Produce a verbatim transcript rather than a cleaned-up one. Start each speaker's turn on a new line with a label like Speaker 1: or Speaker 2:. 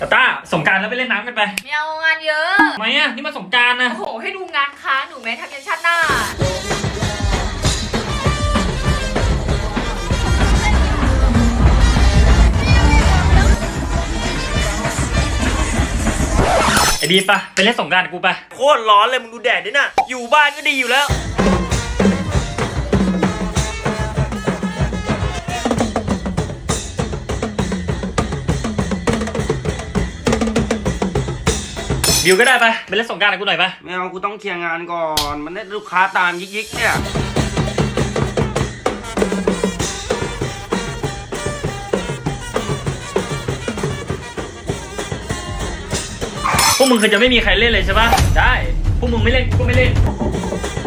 Speaker 1: ตาต้าสงกรานต์แล้วไปเล่นน้ำกันไป
Speaker 2: ไม่เอางานเยอะ
Speaker 1: ทำไมอ่ะนี่มันสงกรานต์นะ
Speaker 2: โอ้โหให้ดูงานค้างหนูแม้ทำยันชาติหน้า
Speaker 1: ไอ้ดีปะไปเล่นสงกรานต์กับกูไปโคตรร้อนเลยมึงดูแดดดิน่ะอยู่บ้านก็ดีอยู่แล้วบิวก็ได้ไปไปเล่นสงกรานต์กับกูหน่อยไป
Speaker 3: ไม่เอากูต้องเคลียร์งานก่อนมันได้ลูกค้าตามยิกๆเนี่ย
Speaker 1: พวกมึงคือจะไม่มีใครเล่นเลยใช่ปะได้พวกมึงไม่เล่นกูก็ไม่เล่น